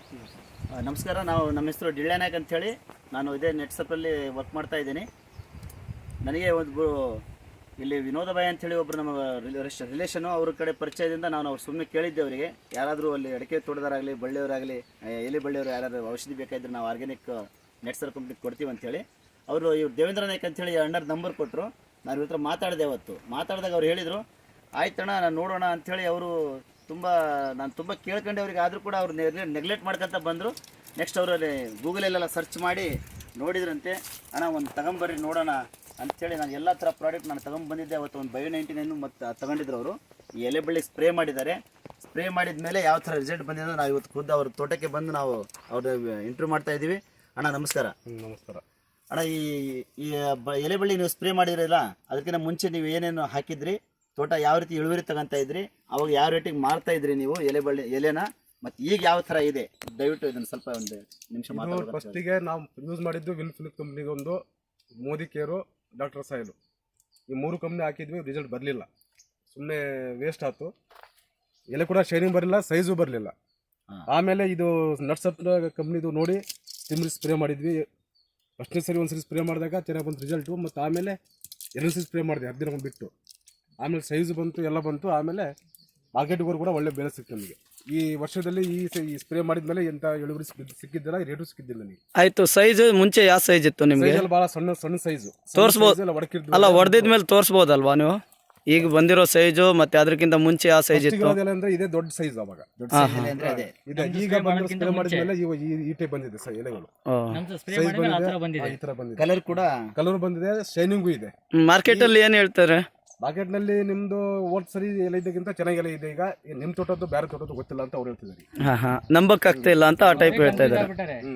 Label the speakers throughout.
Speaker 1: ನಮಸ್ಕಾರ. ನಮ್ಮ ಹೆಸರು ಡಿಳ್ಳೆ ನಾಯಕ್ ಅಂಥೇಳಿ. ನಾನು ಇದೇ ನೆಟ್ಸಪ್ಪಲ್ಲಿ ವರ್ಕ್ ಮಾಡ್ತಾ ಇದ್ದೀನಿ. ನನಗೆ ಒಂದು ಇಲ್ಲಿ ವಿನೋದ ಬಾಯಿ ಅಂಥೇಳಿ ಒಬ್ಬರು ನಮ್ಮ ರಿಲೇಷನು ಅವ್ರ ಕಡೆ ಪರಿಚಯದಿಂದ ನಾನು ಅವ್ರು ಸುಮ್ಮನೆ ಕೇಳಿದ್ದೆ ಅವರಿಗೆ, ಯಾರಾದರೂ ಅಲ್ಲಿ ಅಡಿಕೆ ತೋಟದಾರಾಗಲಿ ಬಳ್ಳಿಯವರಾಗಲಿ ಎಲೆ ಬಳ್ಳಿಯವರು ಯಾರಾದರೂ ಔಷಧಿ ಬೇಕಾಯಿದ್ರೆ ನಾವು ಆರ್ಗ್ಯಾನಿಕ್ ನೆಟ್ಸರ್ ಕಂಪ್ನಿಗೆ ಕೊಡ್ತೀವಿ ಅಂಥೇಳಿ. ಅವರು ಇವ್ರು ದೇವೇಂದ್ರ ನಾಯಕ್ ಅಂಥೇಳಿ ಅಣ್ಣರ ನಂಬರ್ ಕೊಟ್ಟರು. ನಾನು ಇವ್ರ ಹತ್ರ ಮಾತಾಡಿದೆ. ಅವತ್ತು ಮಾತಾಡಿದಾಗ ಅವ್ರು ಹೇಳಿದರು, ಆಯ್ತಣ್ಣ ನಾನು ನೋಡೋಣ ಅಂಥೇಳಿ. ಅವರು ನಾನು ತುಂಬ ಕೇಳ್ಕೊಂಡೆ ಅವ್ರಿಗೆ, ಆದರೂ ಕೂಡ ಅವ್ರು ನೆಗ್ಲೆಕ್ಟ್ ಮಾಡ್ಕೊತ ಬಂದರು. ನೆಕ್ಸ್ಟ್ ಅವರಲ್ಲಿ ಗೂಗಲಲ್ಲೆಲ್ಲ ಸರ್ಚ್ ಮಾಡಿ ನೋಡಿದ್ರಂತೆ. ಅಣ್ಣ ಒಂದು ತಗೊಂಬರ್ರಿ ನೋಡೋಣ ಅಂಥೇಳಿ ನಾನು ಎಲ್ಲ ಥರ ಪ್ರಾಡಕ್ಟ್ ನಾನು ತೊಗೊಂಬಂದಿದ್ದೆ. ಅವತ್ತು ಒಂದು Bio-99 ಮತ್ತು ತಗೊಂಡಿದ್ರು ಅವರು. ಈ ಎಲೆ ಬಳ್ಳಿ ಸ್ಪ್ರೇ ಮಾಡಿದ್ದಾರೆ. ಸ್ಪ್ರೇ ಮಾಡಿದ ಮೇಲೆ ಯಾವ ಥರ ರಿಸಲ್ಟ್ ಬಂದಿದೆ ನಾವು ಇವತ್ತು ಖುದ್ದು ಅವ್ರ ತೋಟಕ್ಕೆ ಬಂದು ನಾವು ಅವ್ರ ಇಂಟರ್ವ್ಯೂ ಮಾಡ್ತಾ ಇದ್ದೀವಿ. ಅಣ್ಣ ನಮಸ್ಕಾರ.
Speaker 2: ನಮಸ್ಕಾರ
Speaker 1: ಅಣ್ಣ, ಈ ಎಲೆ ಬಳ್ಳಿ ನೀವು ಸ್ಪ್ರೇ ಮಾಡಿದ್ರಲ್ಲ, ಅದಕ್ಕಿಂತ ಮುಂಚೆ ನೀವು ಏನೇನು ಹಾಕಿದ್ರಿ, ತೋಟ ಯಾವ ರೀತಿ ಇಳುವರಿ ತಗೊಂತಾ ಇದ್ರಿ, ಅವಾಗ ಯಾವ ರೇಟಿಗೆ ಮಾರ್ತಾ ಇದ್ರಿ ನೀವು ಎಲೆನ, ಮತ್ತು ಈಗ ಯಾವ ಥರ ಇದೆ, ದಯವಿಟ್ಟು ಇದನ್ನು ಸ್ವಲ್ಪ ಒಂದು ನಿಮಿಷ ಮಾತಾಡೋದು.
Speaker 2: ಫಸ್ಟಿಗೆ ನಾವು ಯೂಸ್ ಮಾಡಿದ್ದು ವಿನ್ಫಿನಿಕ್ ಕಂಪ್ನಿಗೆ ಒಂದು ಮೋದಿ ಕೇರು, ಡಾಕ್ಟರ್ ಸಾಯಿಲು, ಈ 3 ಕಂಪ್ನಿ ಹಾಕಿದ್ವಿ. ರಿಸಲ್ಟ್ ಬರಲಿಲ್ಲ, ಸುಮ್ಮನೆ ವೇಸ್ಟ್ ಆಯ್ತು. ಎಲೆ ಕೂಡ ಶೈನಿಂಗ್ ಬರಲಿಲ್ಲ, ಸೈಜು ಬರಲಿಲ್ಲ. ಆಮೇಲೆ ಇದು ನಟ್ಸಪ್ ಕಂಪ್ನಿದು ನೋಡಿ ತಿಮ್ಮರಿ ಸ್ಪ್ರೇ ಮಾಡಿದ್ವಿ. ಫಸ್ಟ್ನೇ ಸರಿ ಒಂದ್ಸರಿ ಸ್ಪ್ರೇ ಮಾಡಿದಾಗ ಚೆನ್ನಾಗಿ ಬಂತು ರಿಸಲ್ಟು. ಮತ್ತು ಆಮೇಲೆ 2 ಸರಿ ಸ್ಪ್ರೇ ಮಾಡಿದೆ 10 ದಿನ ಬಿಟ್ಟು. ಆಮೇಲೆ ಸೈಜು ಬಂತು, ಎಲ್ಲ ಬಂತು. ಆಮೇಲೆ ಮಾರ್ಕೆಟ್ಗೋರು ಕೂಡ ಒಳ್ಳೆ ಬೆಲೆ ಸಿಕ್ತು ನಮಗೆ. ಈ ವರ್ಷದಲ್ಲಿ ಈ ಸ್ಪ್ರೇ ಮಾಡಿದ್ಮೇಲೆ ಎಂತ ಇಳುವರಿ ಸಿಕ್ಕಿದ್ದಿಲ್ಲ, ರೇಟು ಸಿಕ್ಕಿದ್ದಿಲ್ಲ ನನಗೆ.
Speaker 3: ಆಯ್ತು. ಸೈಜ್ ಮುಂಚೆ ಯಾವ ಸೈಜ್ ಇತ್ತು ನಿಮಗೆ?
Speaker 2: ಭಾಳ ಸಣ್ಣ ಸೈಜು
Speaker 3: ತೋರಿಸ್ಬೋದು ಅಲ್ಲ, ಹೊಡೆದಿದ್ಮೇಲೆ ತೋರಿಸ್ಬೋದಲ್ವಾ ನೀವು? ಈಗ ಬಂದಿರೋ ಸೈಜು ಮತ್ತೆ ಅದಕ್ಕಿಂತ ಮುಂಚೆ ಯಾವ ಸೈಜ್ ಇತ್ತು?
Speaker 2: ಅಂದ್ರೆ ಇದೇ ದೊಡ್ಡ ಸೈಜ್ ಅವಾಗ. ಈಗ ಸ್ಪ್ರೇ ಮಾಡಿದ್ಮೇಲೆ ಈ ಟೈಪ್ ಬಂದಿದೆ ಎಲೆಗಳು. ಕಲರ್ ಬಂದಿದೆ, ಶೈನಿಂಗು ಇದೆ.
Speaker 3: ಮಾರ್ಕೆಟ್ ಅಲ್ಲಿ ಏನ್ ಹೇಳ್ತಾರೆ?
Speaker 2: ಮಾರ್ಕೆಟ್ ನಲ್ಲಿ ನಿಮ್ದು ಹೋದ್ ಸರಿ ಎಲೆ ಇದಕ್ಕಿಂತ ಚೆನ್ನಾಗಿ ಎಲೆ ಇದೆ. ಈಗ ನಿಮ್ ತೋಟದ್ದು ಬೇರೆ ತೋಟದ್ದು ಗೊತ್ತಿಲ್ಲ ಅಂತ ಅವ್ರು ಹೇಳ್ತಿದ್ದಾರೆ.
Speaker 3: ನಂಬಕ್ ಆಗ್ತಾ ಇಲ್ಲ ಅಂತ ಆ ಟೈಪ್ ಹೇಳ್ತಾ ಇದ್ದಾರೆ.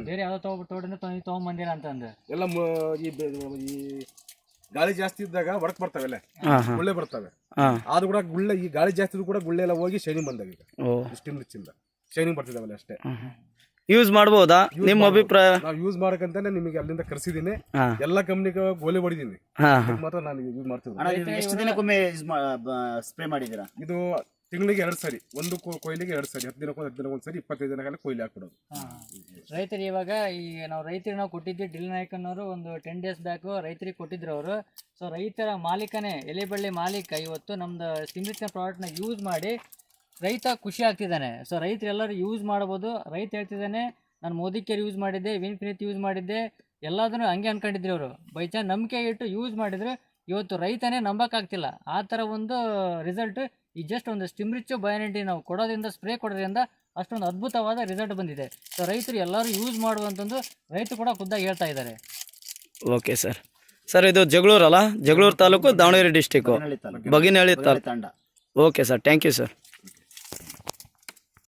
Speaker 2: ಎಲ್ಲ ಈ ಗಾಳಿ ಜಾಸ್ತಿ ಇದ್ದಾಗ ಒಡಕ್ ಬರ್ತವೆ, ಗುಳ್ಳೆ ಬರ್ತವೆ. ಆದ್ರೂ ಕೂಡ ಗುಳ್ಳೆ, ಈ ಗಾಳಿ ಜಾಸ್ತಿ ಕೂಡ ಗುಳ್ಳೆ ಎಲ್ಲ ಹೋಗಿ ಶೈನಿಂಗ್ ಬಂದಾಗ ಈಗ ಸ್ಟಿಮ್ ರಿಚ್ಚಿಂದ ಶೈನಿಂಗ್ ಬರ್ತಿದಾವಲ್ಲ ಅಷ್ಟೇ.
Speaker 3: ಯೂಸ್ ಮಾಡಬಹುದಾ ನಿಮ್ಮ ಅಭಿಪ್ರಾಯ?
Speaker 2: ನಾವು ಯೂಸ್ ಮಾಡಕಂತಾನೆ ನಿಮಗೆ ಅಲ್ಲಿಂದ ಕರ್ಸಿದೀನಿ. ಎಲ್ಲ ಕಂಪ್ನಿಗೆ ಗೋಲಿ ಹೊಡಿದೀನಿ, ಮಾತ್ರ ನಾನು ಯೂಸ್ ಮಾಡ್ತೀನಿ.
Speaker 1: ಎಷ್ಟು ದಿನಕ್ಕೊಮ್ಮೆ ಸ್ಪ್ರೇ ಮಾಡಿದ್ದೀರಾ?
Speaker 2: ಇದು ತಿಂಗಳಿಗೆ 2 ಸರಿ, ಒಂದು ಕೊಯ್ಲಿಗೆ 2 ಸರಿ, 10 ದಿನಕ್ಕೊಂದು ಸರಿ, 25 ದಿನಕ್ಕೆಲ್ಲ ಕೊಯ್ಲಿ ಹಾಕ್ಬಿಡೋದು.
Speaker 4: ರೈತರು ಇವಾಗ ರೈತರಿಗೆ ನಾವು ಕೊಟ್ಟಿದ್ವಿ. ಡಿಲ್ ನಾಯಕ್ ಅನ್ನೋರು ಒಂದು 10 ಡೇಸ್ ಬ್ಯಾಕ್ ರೈತರಿಗೆ ಕೊಟ್ಟಿದ್ರು ಅವರು. ಸೊ ರೈತರ ಮಾಲೀಕನೇ, ಎಲೆ ಬಳ್ಳಿ ಮಾಲೀಕ ಇವತ್ತು ನಮ್ದು ಸಿಮಿತ್ನ ಪ್ರಾಡಕ್ಟ್ನ ಯೂಸ್ ಮಾಡಿ ರೈತ ಖುಷಿ ಆಗ್ತಿದ್ದಾನೆ. ಸೊ ರೈತರೆಲ್ಲರೂ ಯೂಸ್ ಮಾಡ್ಬೋದು. ರೈತ ಹೇಳ್ತಿದ್ದಾನೆ, ನಾನು ಮೋದಿ ಕೇರ್ ಯೂಸ್ ಮಾಡಿದ್ದೆ, ವಿನ್ಫಿನಿತ್ ಯೂಸ್ ಮಾಡಿದ್ದೆ, ಎಲ್ಲದನ್ನು ಹಂಗೆ ಅನ್ಕೊಂಡಿದ್ರು ಅವರು. ಬೈ ಚಾನ್ಸ್ ನಂಬಿಕೆ ಇಟ್ಟು ಯೂಸ್ ಮಾಡಿದ್ರೆ ಇವತ್ತು ರೈತನೇ ನಂಬಕ್ಕಾಗ್ತಿಲ್ಲ. ಆ ಥರ ಒಂದು ರಿಸಲ್ಟ್ ಈ ಜಸ್ಟ್ ಒಂದು ಸ್ಟಿಮ್ರಿಚ್ Bio-99 ನಾವು ಕೊಡೋದ್ರಿಂದ, ಸ್ಪ್ರೇ ಕೊಡೋದ್ರಿಂದ ಅಷ್ಟೊಂದು ಅದ್ಭುತವಾದ ರಿಸಲ್ಟ್ ಬಂದಿದೆ. ಸೊ ರೈತರು ಎಲ್ಲರೂ ಯೂಸ್ ಮಾಡುವಂತಂದು ರೈತರು ಕೂಡ ಖುದ್ದಾಗಿ ಹೇಳ್ತಾ ಇದ್ದಾರೆ.
Speaker 3: Okay sir. ಸರ್ ಇದು ಜಗಳೂರು ಅಲ್ಲ? Jagalur taluk, Davanagere district, Baginahalli taluk. Okay sir, thank you sir.